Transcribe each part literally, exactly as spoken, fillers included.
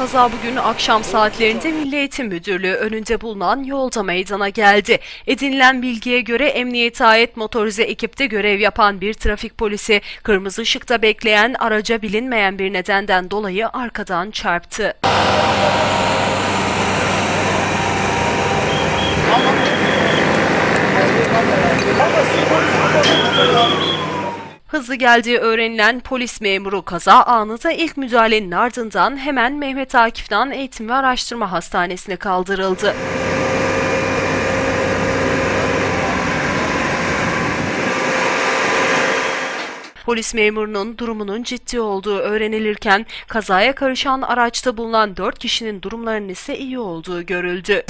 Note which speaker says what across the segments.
Speaker 1: Kaza bugün akşam saatlerinde Milli Eğitim Müdürlüğü önünde bulunan yolda meydana geldi. Edinilen bilgiye göre emniyete ait motorize ekipte görev yapan bir trafik polisi kırmızı ışıkta bekleyen araca bilinmeyen bir nedenden dolayı arkadan çarptı. Hızlı geldiği öğrenilen polis memuru kaza anında ilk müdahalenin ardından hemen Mehmet Akif Nan Eğitim ve Araştırma Hastanesi'ne kaldırıldı. Polis memurunun durumunun ciddi olduğu öğrenilirken kazaya karışan araçta bulunan dört kişinin durumlarının ise iyi olduğu görüldü.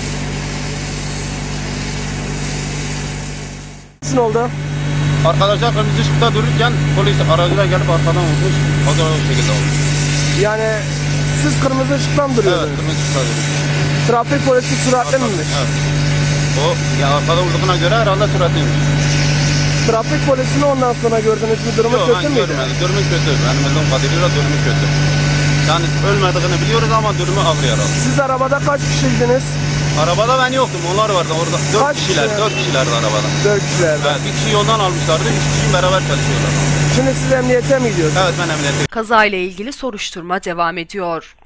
Speaker 2: Nasıl oldu?
Speaker 3: Arkadaşlar kırmızı ışıkta dururken polis aracıyla gelip arkadan vurmuş. O da o şekilde oldu.
Speaker 2: Yani siz kırmızı ışıktan mı
Speaker 3: Evet,
Speaker 2: duruyordunuz?
Speaker 3: kırmızı ışıkta duruyor.
Speaker 2: Trafik polisi süratli miymiş?
Speaker 3: Evet. O ya arkada vurduğuna göre herhalde süratliymiş.
Speaker 2: Trafik polisini ondan sonra gördünüz mü? Durumu
Speaker 3: Yok,
Speaker 2: kötü
Speaker 3: ben
Speaker 2: müydü?
Speaker 3: görmedim. Durumu kötü. Benim bildiğim kadarıyla durumu kötü. Yani ölmediğini biliyoruz ama durumu ağır yaralı.
Speaker 2: Siz arabada kaç kişiydiniz?
Speaker 3: Arabada ben yoktum. Onlar vardı orada. Dört
Speaker 2: Kaç
Speaker 3: kişiler.
Speaker 2: kişi?
Speaker 3: Dört kişilerdi arabada.
Speaker 2: Dört kişilerden.
Speaker 3: Evet, bir kişi yoldan almışlardı. Üç kişi beraber çalışıyorlar.
Speaker 2: Şimdi siz emniyete mi gidiyorsunuz?
Speaker 3: Evet, ben emniyete.
Speaker 1: Kazayla ilgili soruşturma devam ediyor.